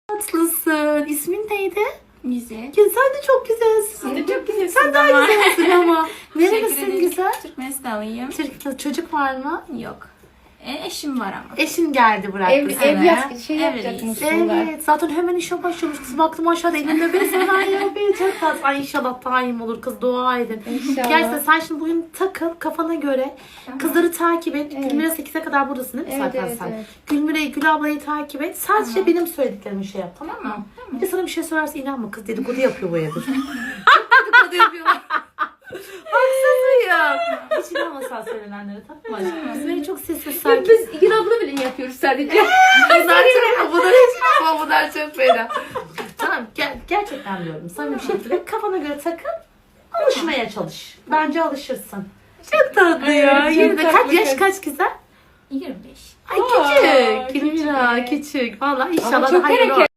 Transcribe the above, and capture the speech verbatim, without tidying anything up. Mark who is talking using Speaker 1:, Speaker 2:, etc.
Speaker 1: tatlısın. İsmin neydi?
Speaker 2: Güzel.
Speaker 1: Ya sen de çok güzelsin.
Speaker 2: Sen de çok güzelsin.
Speaker 1: Sen daha
Speaker 2: ama.
Speaker 1: güzelsin ama.
Speaker 2: Teşekkür
Speaker 1: Nerelisin
Speaker 2: ederim.
Speaker 1: güzel?
Speaker 2: Türkmenistanlıyım.
Speaker 1: Türkiye'de çocuk var mı?
Speaker 2: Yok. E, eşim var ama.
Speaker 1: Eşin geldi bıraktı
Speaker 3: Ev,
Speaker 1: seni.
Speaker 3: ev yap, şey
Speaker 2: Evliyiz.
Speaker 3: yapacakmışsınlar.
Speaker 1: Evet. Zaten hemen işe başlamış. Kız baktım aşağıda elinde bir sanayi yapıyor. Çok tatlı. Ay inşallah daim olur kız. Dua edin.
Speaker 3: İnşallah.
Speaker 1: Gerçekten sen şimdi bugün takıl kafana göre. Kızları takip et.
Speaker 3: Evet.
Speaker 1: Gülmire sekize kadar buradasın değil mi
Speaker 3: Evet,
Speaker 1: zaten
Speaker 3: evet,
Speaker 1: sen?
Speaker 3: evet.
Speaker 1: Gülmire, Gül ablayı takip et. Sadece
Speaker 2: Tamam.
Speaker 1: benim söylediklerimi şey yap, tamam mı?
Speaker 2: Tamam.
Speaker 1: Bir de sana bir şey söylerse inanma, kız dedikodu yapıyor bu evde. Dedikodu yapıyorlar. Haksız mıyım? Hiç inanma sen söylenenlere, tamam mı? Biz beni çok sessiz sakin.
Speaker 3: Biz Gül abla bile yapıyoruz sadece.
Speaker 1: Bunlar çok, bunlar hiç ama bunlar çok fena. Tamam, ger- gerçekten diyorum. Samimi bir şekilde kafana göre takıl, alışmaya çalış. Bence alışırsın. Çok tatlı ya.
Speaker 3: Evet, çok
Speaker 1: Yine de kaç
Speaker 3: tatlı
Speaker 1: yaş
Speaker 3: kız.
Speaker 1: kaç güzel?
Speaker 2: yirmi beş.
Speaker 1: Ay
Speaker 3: Aa,
Speaker 1: küçük.
Speaker 3: küçük.
Speaker 1: Gülmira küçük. Valla
Speaker 3: Ama
Speaker 1: inşallah
Speaker 3: çok
Speaker 1: da hayırlı
Speaker 3: hareket.